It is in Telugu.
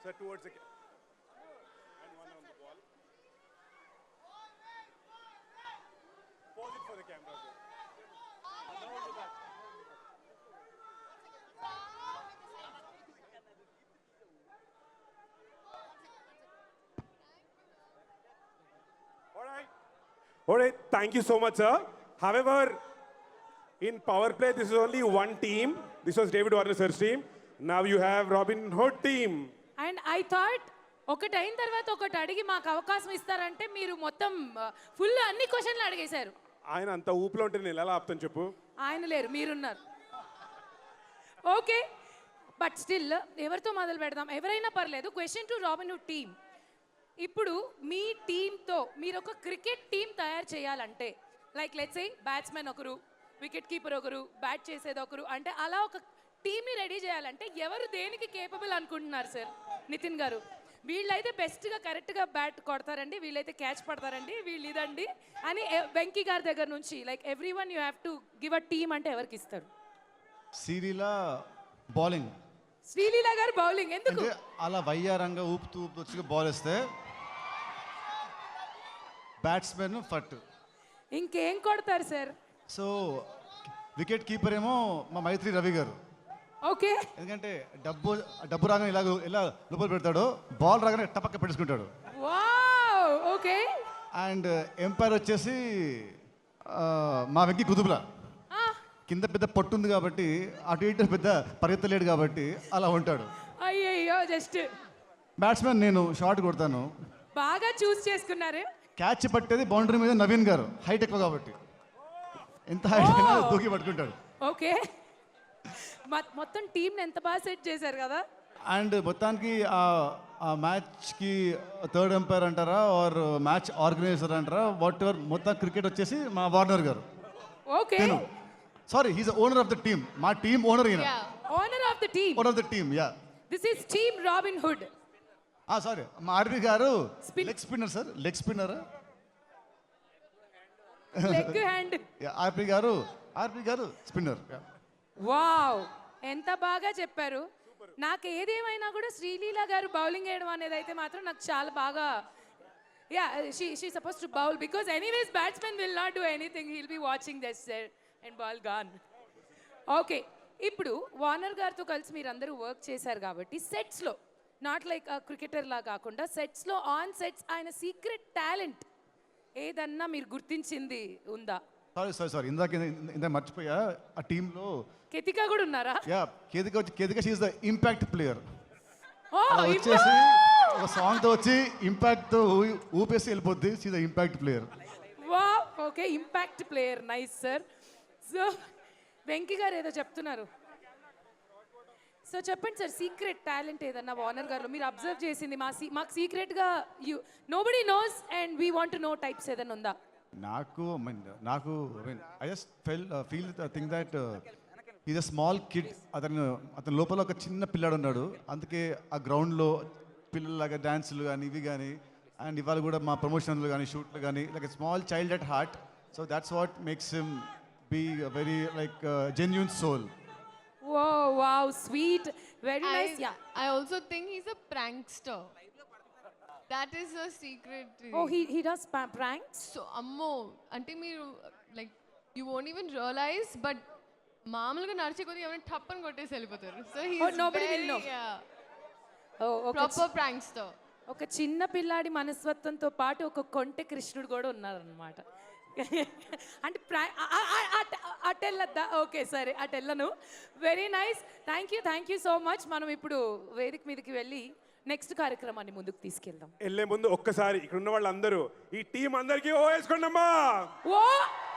Sir, towards the and one on the ball. Pause it for the camera, sir. All right, thank you so much, sir. However, in power play, this is only one team. This was David Warner sir's team. Now you have Robin Hood team. And I thought ఒకటి అయిన తర్వాత ఒకటి అడిగి మాకు అవకాశం ఇస్తారంటే మీరు మొత్తం ఫుల్ అన్ని క్వశ్చన్లు అడిగేశారు. ఆయన అంత ఊపులో ఉంటే నేను ఎలా ఆపుతాను చెప్పు. ఆయన లేరు, మీరున్నారు. ఓకే, బట్ స్టిల్ ఎవరితో మొదలు పెడదాం? ఎవరైనా పర్లేదు. Question to Robin Hood team. ఇప్పుడు మీ టీంతో మీరు ఒక క్రికెట్ టీం తయారు చేయాలంటే, లైక్ లెట్స్ సే బ్యాట్స్మెన్ ఒకరు, వికెట్ కీపర్ ఒకరు, బ్యాట్ చేసేది ఒకరు, అంటే అలా ఒక టీమ్ని రెడీ చేయాలంటే ఎవరు దేనికి కేపబుల్ అనుకుంటున్నారు సార్? నితిన్ గారు, వీళ్ళైతే బెస్ట్గా కరెక్ట్గా బ్యాట్ కొడతారండి, వీళ్ళైతే క్యాచ్ పడతారండి, వీళ్ళు ఇదండి అని వెంకీ గారి దగ్గర నుంచి like every one you have to give a team అంటే ఎవరికి ఇస్తారు? శ్రీలీల బౌలింగ్. శ్రీలీల గారు బౌలింగ్ ఎందుకు? అలా వయ్యారంగా ఊపుతూ వచ్చి బాల్ వేస్తే బ్యాట్స్మెన్ ఫట్. ఇంకేం కొడతారు సార్? సో వికెట్ కీపర్ ఏమో మా మైత్రి రవి గారు. ఓకే, ఎందుకంటే డబ్బు రాగానే ఇలా లోపల పెడతాడు, బాల్ రాగానే టపక్క పెట్టేసుకుంటాడు. Wow, okay. అండ్ ఎంపైర్ వచ్చేసి మా వెంకీ కుదుపుల. కింద పెద్ద పట్టు ఉంది కాబట్టి అటు ఇటు పెద్ద పరిగెత్తలేడు కాబట్టి అలా ఉంటాడు. అయ్యయ్యో, జస్ట్ బ్యాట్స్మెన్ నేను షార్ట్ కొడతాను. బాగా చూస్ చేసుకున్నారు. క్యాచ్ పట్టేది బౌండరీ మీద నవీన్ గారు, హైట్ ఎక్కువ కాబట్టి ఎంత హైట్ అయినా దూకి పట్టుకుంటాడు. ఓకే, మొత్తం టీంని ఎంత బాగా సెట్ చేశారు కదా. అండ్ మొత్తానికి ఆ మ్యాచ్కి థర్డ్ ఎంపైర్ అంటారా ఆర్ మ్యాచ్ ఆర్గనైజర్ అంటారా వాట్ ఎవర్, మొత్తం క్రికెట్ వచ్చేసి మా Warner garu. Okay, sorry, he's owner of the team. మా టీమ్ ఓనర్ ఈయన. Owner of the team. Owner of the team, ya. This is team Robin Hood. Sorry, మా RP garu leg spinner sir. Leg spinner, leg hand. RP garu spinner. Wow, ఎంత బాగా చెప్పారు. నాకు ఏదేమైనా కూడా శ్రీలీల గారు బౌలింగ్ వేయడం అనేది అయితే మాత్రం నాకు చాలా బాగా, ya, she suppose to bowl because anyways batsmen will not do anything, he'll be watching this and ball gone. Okay, ఇప్పుడు వార్నర్ గారితో కలిసి మీరు అందరూ వర్క్ చేశారు కాబట్టి సెట్స్లో, నాట్ లైక్ క్రికెటర్ లా కాకుండా సెట్స్లో, ఆన్ సెట్స్ ఆయన సీక్రెట్ టాలెంట్ ఏదన్నా మీరు గుర్తించింది ఉందా? సారీ ఇందాక మర్చిపోయా. ఆ టీంలో కేతిక కూడా ఉన్నారా? Ya, Ketika she is the impact player. Oh, వచ్చేసి ఒక సాంగ్ తో వచ్చి ఇంపాక్ట్ తో ఊపేసి వెళ్ళిపోద్ది. She the impact player. Wow, okay, impact player, nice sir. So Venky garu ఏదో చెప్తున్నారు, సో చెప్పండి సార్. సీక్రెట్ టాలెంట్ ఏదన్నా వార్నర్ గారు మీరు అబ్జర్వ్ చేసింది మాకు సీక్రెట్గా nobody knows and we want to know types ఏదన్నా ఉందా? నాకు I just feel think that is a small kid. అతని లోపల ఒక చిన్న పిల్లాడు ఉన్నాడు. అందుకే ఆ గ్రౌండ్లో పిల్లలాగా డ్యాన్సులు కానీ ఇవి కానీ, అండ్ ఇవాళ కూడా మా ప్రమోషన్లు కానీ షూట్లు కానీ like a small child at heart. So that's what makes him be very like genuine soul. Whoa, wow, sweet, very nice. Yeah, I also think he's a prankster. That is a secret. oh, he does pranks. So ammo ante meeru like you won't even realize, but మామూలుగా నడిచే కొద్ది ఏమైనా టప్పని కొట్టేసి వెళ్ళిపోతారు. So he's nobody will very, know. yeah, Oh, okay. proper prankster. ఒక చిన్న పిల్లాడి మనస్తత్వంతో పాటు ఒక కొంటె కృష్ణుడు కూడా ఉన్నారనమాట. అంటే అటెళ్ళద్దా? ఓకే, సరే, అటెళ్ళను. Very nice, thank you so much. మనం ఇప్పుడు వేదిక మీదకి వెళ్ళి నెక్స్ట్ కార్యక్రమాన్ని ముందుకు తీసుకెళ్దాం. వెళ్ళే ముందు ఒక్కసారి ఇక్కడ ఉన్న వాళ్ళందరూ ఈ టీం అందరికీ ఓ వేసుకోండి అమ్మా. ఓ